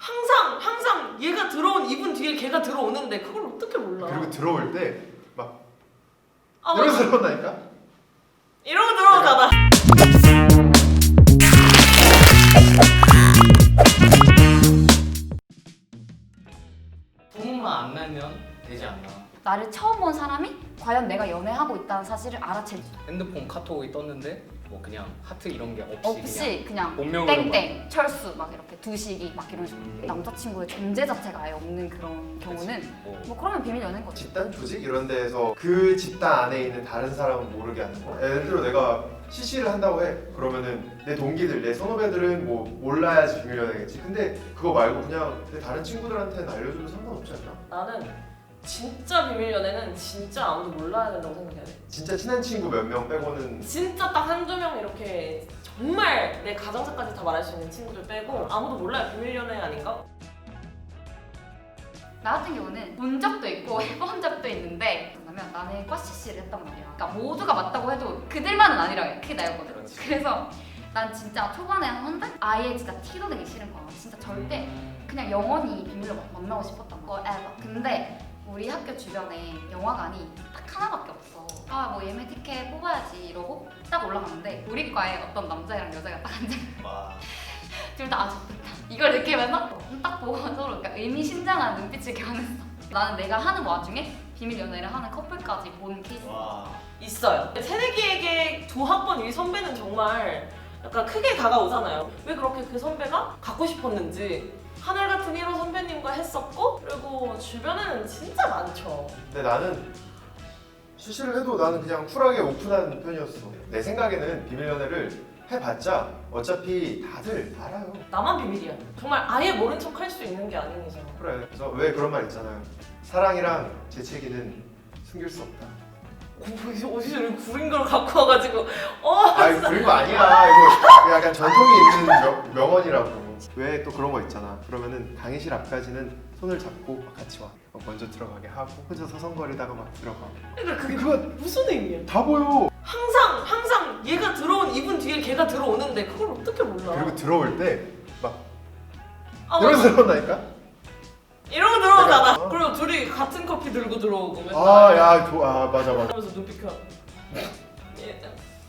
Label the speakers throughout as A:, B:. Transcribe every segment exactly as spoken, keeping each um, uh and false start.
A: 항상 항상 얘가 들어온 이분 뒤에 걔가 들어오는데 그걸 어떻게 몰라?
B: 그리고 들어올 때 막
A: 아,
B: 이러면서
A: 맞아.
B: 들어온다니까?
A: 이러고 들어오잖아.
C: 소문만 안 나면 되지 않나.
D: 나를 처음 본 사람이 과연 내가 연애하고 있다는 사실을 알아채지.
C: 핸드폰 카톡이 떴는데 뭐 그냥 하트 이런 게 없이,
D: 없이 그냥
C: 본명으로
D: 땡땡 철수 막 이렇게 두식이 막 이런 식으로
C: 음.
D: 남자친구의 존재 자체가 아예 없는 그런 경우는
C: 뭐,
D: 뭐 그러면 비밀 연애인 거지.
B: 집단 조직 이런 데에서 그 집단 안에 있는 다른 사람은 모르게 하는 거. 예를 들어 내가 씨씨를 한다고 해. 그러면은 내 동기들, 내 선후배들은 뭐 몰라야지 비밀 연애겠지. 근데 그거 말고 그냥 내 다른 친구들한테는 알려줘도 상관없지 않나?
A: 나는 진짜 비밀 연애는 진짜 아무도 몰라야 된다고 생각해야 돼.
B: 진짜 친한 친구 몇 명 빼고는
A: 진짜 딱 한두 명 이렇게 정말 내 가정사까지 다 말할 수 있는 친구들 빼고 아무도 몰라요. 비밀 연애 아닌가?
D: 나 같은 경우는 본 적도 있고 해본 적도 있는데 왜냐면 나는 꽈씨씨를 했단 말이야. 그러니까 모두가 맞다고 해도 그들만은 아니라 그게 나였거든.
C: 그렇지.
D: 그래서 난 진짜 초반에 한 달? 아예 진짜 티도 내기 싫은 거야. 진짜 절대 그냥 영원히 비밀로 막 만나고 싶었던 거 ever. 근데 우리 학교 주변에 영화관이 딱 하나밖에 없어. 아 뭐 예매 티켓 뽑아야지 이러고 딱 올라갔는데 우리 과에 어떤 남자애랑 여자가 딱 앉아.
C: 와.
D: 둘 다 아주 좋다. 이걸 느끼면서 딱 보고 서로 그러니까 의미심장한 눈빛을 교환했어. 나는 내가 하는 와중에 비밀 연애를 하는 커플까지 본 케이스.
C: 와.
A: 있어요. 새내기에게 두 학번 위 선배는 정말 약간 크게 다가오잖아요. 왜 그렇게 그 선배가 갖고 싶었는지. 하늘 같은 일 호 선배님과 했었고 그리고 주변에는 진짜 많죠.
B: 근데 나는 씨씨를 해도 나는 그냥 쿨하게 오픈한 편이었어. 내 생각에는 비밀 연애를 해봤자 어차피 다들 알아요.
A: 나만 비밀이야. 정말 아예 모른 척 할 수 있는 게 아닌 이상.
B: 그래. 그래서 왜 그런 말 있잖아요. 사랑이랑 재채기는 숨길 수 없다.
A: 어디서 어디서 이렇게 구린 걸 갖고 와가지고 어
B: 아니 그런 거 아니야. 이거 약간 전통이 있는 명, 명언이라고. 왜 또 그런 거 있잖아. 그러면은 강의실 앞까지는 손을 잡고 같이 와. 먼저 들어가게 하고 혼자 서성거리다가 막 들어가.
A: 그러니까 그게
B: 그거
A: 무슨 의미야?
B: 다 보여.
A: 항상 항상 얘가 들어온 이분 뒤에 걔가 들어오는데 그걸 어떻게 몰라?
B: 그리고 들어올 때 막
A: 아,
B: 이러면서
A: 맞아.
B: 들어온다니까?
A: 이러고 들어오잖아.
B: 내가- 어.
A: 그리고 둘이 같은 커피 들고 들어오고 맨날.
B: 아, 야, 좋아. 아, 맞아, 맞아.
A: 그러면서 눈빛 켜. 예.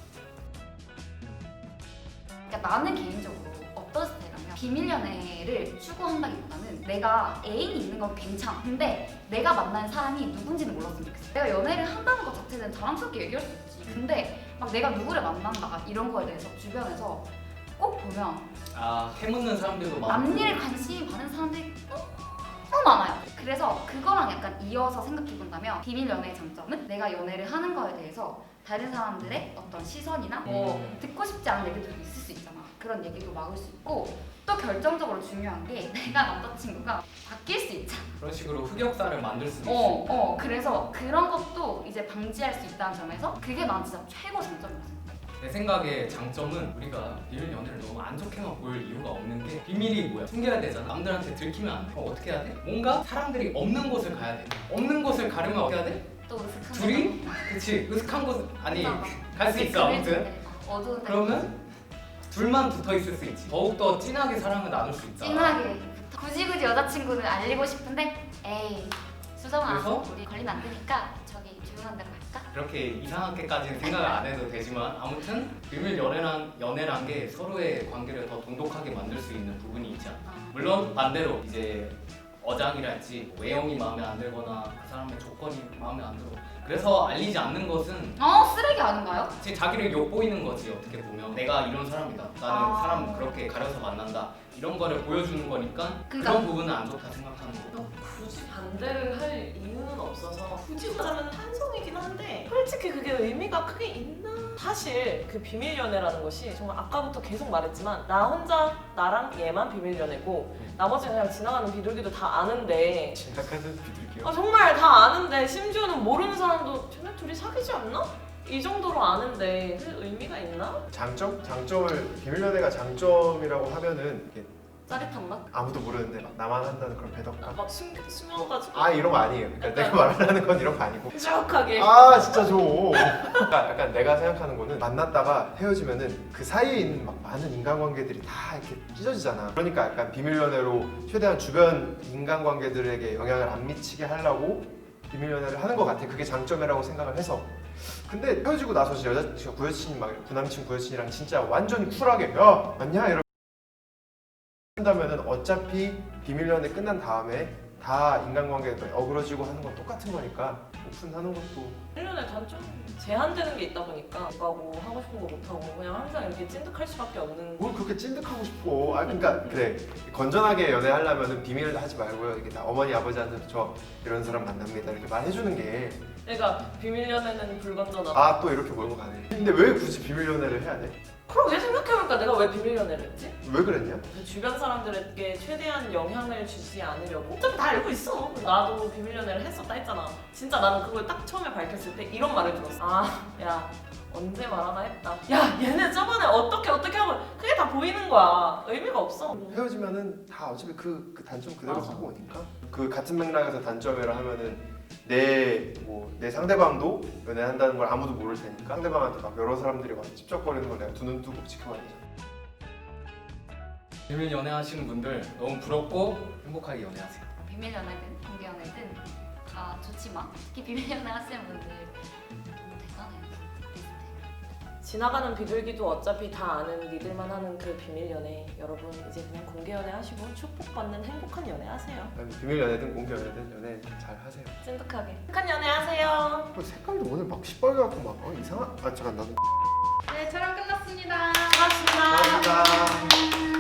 D: 그러니까 나는 개인적으로 어떤 스타일이냐면 비밀 연애를 추구한다기보다는 내가 애인이 있는 건 괜찮아. 근데 내가 만난 사람이 누군지는 몰랐으면 좋겠어. 내가 연애를 한다는 것 자체는 자랑스럽게 얘기할 수 있지. 근데 막 내가 누구를 만난다 이런 거에 대해서 주변에서 꼭 보면
C: 아, 해묻는 사람들도 많고.
D: 남일 관심이 많은 사람들이 너무 많아요. 그래서 그거랑 약간 이어서 생각해본다면 비밀 연애의 장점은 내가 연애를 하는 거에 대해서 다른 사람들의 어떤 시선이나 뭐
C: 음.
D: 듣고 싶지 않은 얘기들도 있을 수 있잖아. 그런 얘기도 막을 수 있고 또 결정적으로 중요한 게 내가 남자친구가 바뀔 수 있잖아.
C: 그런 식으로 흑역사를 만들 수도 있어.
D: 어, 어. 그래서 그런 것도 이제 방지할 수 있다는 점에서 그게 난 진짜 최고 장점이었어.
C: 내 생각에 장점은 우리가 비밀 연애를 너무 안 좋게만 보일 이유가 없는 게 비밀이 뭐야? 숨겨야 되잖아. 남들한테 들키면 안 돼. 그럼 어떻게 해야 돼? 뭔가 사람들이 없는 곳을 가야 돼. 없는 곳을 가려면 어떻게 해야 돼?
D: 또 으슥한
C: 둘이? 그치. 으슥한 곳 아니
D: 데서
C: 갈 수 있어 아무튼.
D: 어두운 데
C: 그러면 둘만 붙어 있을 수 있지. 더욱더 진하게 사랑을 나눌 수 있다.
D: 찐하게 굳이 굳이 여자친구는 알리고 싶은데 에이 수정아
C: 그래서?
D: 우리 걸리면 안 되니까 저기 조용한 데로 갈까?
C: 그렇게 이상하게까지는 생각을 안 해도 되지만 아무튼 비밀 연애란 연애란 게 서로의 관계를 더 돈독하게 만들 수 있는 부분이 있지 않나.
D: 어.
C: 물론 반대로 이제 어장이랄지 뭐 외형이 마음에 안 들거나 그 사람의 조건이 마음에 안 들어. 그래서 알리지 않는 것은
D: 어 쓰레기 아닌가요?
C: 제 자기를 엿보이는 거지. 어떻게 보면 내가 이런 사람이다. 나는
D: 아.
C: 사람 그렇게 가려서 만난다. 이런 거를 보여주는 거니까 그
D: 그러니까.
C: 런 부분은 안 좋다 생각하는 거고.
A: 뭐 굳이 반대를 할 이유는 없어서 굳이 말하면 찬성이긴 한데 솔직히 그게 의미가 크게 있나? 사실 그 비밀 연애라는 것이 정말 아까부터 계속 말했지만 나 혼자 나랑 얘만 비밀 연애고 나머지는 그냥 지나가는 비둘기도 다 아는데
B: 지나가는 비둘기요.
A: 아 정말 다 아는데 심지어는 모르는 사람도 쟤네 둘이 사귀지 않나? 이 정도로 아는데 그 의미가 있나?
B: 장점? 장점을 비밀 연애가 장점이라고 하면은 이게
A: 짜릿한 맛?
B: 아무도 모르는데 막 나만 한다는 그런 배덕감.
A: 아, 막 숨, 숨어가지고
B: 아 이런 거 아니에요. 그러니까 내가 말하는 건 이런 거 아니고.
A: 뾰족하게
B: 아 진짜 좀. 그러니까 약간 내가 생각하는 거는 만났다가 헤어지면은 그 사이에 있는 막 많은 인간관계들이 다 이렇게 찢어지잖아. 그러니까 약간 비밀 연애로 최대한 주변 인간관계들에게 영향을 안 미치게 하려고 비밀 연애를 하는 것 같아. 그게 장점이라고 생각을 해서. 근데 헤어지고 나서 진짜 여자 진짜 구여친 막 구남친 구여친이랑 진짜 완전히 쿨하게 야 맞냐 이러. 한다면은 어차피 비밀 연애 끝난 다음에 다 인간관계가 어그러지고 하는 건 똑같은 거니까 오픈하는 것도.
A: 일 년에 단점 제한되는 게 있다 보니까 못가고 하고 싶은 거 못하고 그냥 항상 이렇게 찐득할 수밖에 없는.
B: 뭘 그렇게 찐득하고 싶어. 아 그러니까 그래 건전하게 연애하려면은 비밀을 하지 말고요. 이게 나 어머니 아버지한테 저 이런 사람 만납니다 이렇게 말해주는 게.
A: 그러니까 비밀 연애는 불건전하다.
B: 아 또 이렇게 몰고 가네. 근데 왜 굳이 비밀 연애를 해야 돼?
A: 그러게 생각해보니까 내가 왜 비밀 연애를 했지?
B: 왜 그랬냐?
A: 그 주변 사람들에게 최대한 영향을 주지 않으려고. 어차피 다 알고 있어. 나도 비밀 연애를 했었다 했잖아. 진짜 나는 그걸 딱 처음에 밝혔을 때 이런 말을 들었어. 아, 야 언제 말하나 했다. 야 얘네 저번에 어떻게 어떻게 하고 그게 다 보이는 거야. 의미가 없어.
B: 헤어지면은 다 어차피 그, 그 단점 그대로
A: 맞아.
B: 갖고 오니까. 그 같은 맥락에서 단점이라 하면은 내 뭐 내 상대방도 연애한다는 걸 아무도 모를 테니까 상대방한테 막 여러 사람들이 와서 찝쩍거리는 걸 내가 두 눈 뜨고 지켜봐야 되잖아.
C: 비밀 연애하시는 분들 너무 부럽고 행복하게 연애하세요.
D: 비밀 연애든 공개 연애든 다 좋지만 특히 비밀 연애 하시는 분들 너무 대단해요.
A: 지나가는 비둘기도 어차피 다 아는 믿을만 하는 그 비밀 연애. 여러분 이제 그냥 공개 연애 하시고 축복받는 행복한 연애 하세요.
B: 아니, 비밀 연애든 공개 연애든 연애 잘 하세요.
A: 찐득하게. 행복한 연애 하세요.
B: 뭐 색깔도 오늘 막 시뻘게 갖고 막 어, 이상한. 아 잠깐 나도.
E: 네, 촬영 끝났습니다.
A: 고맙습니다.
B: 감사합니다.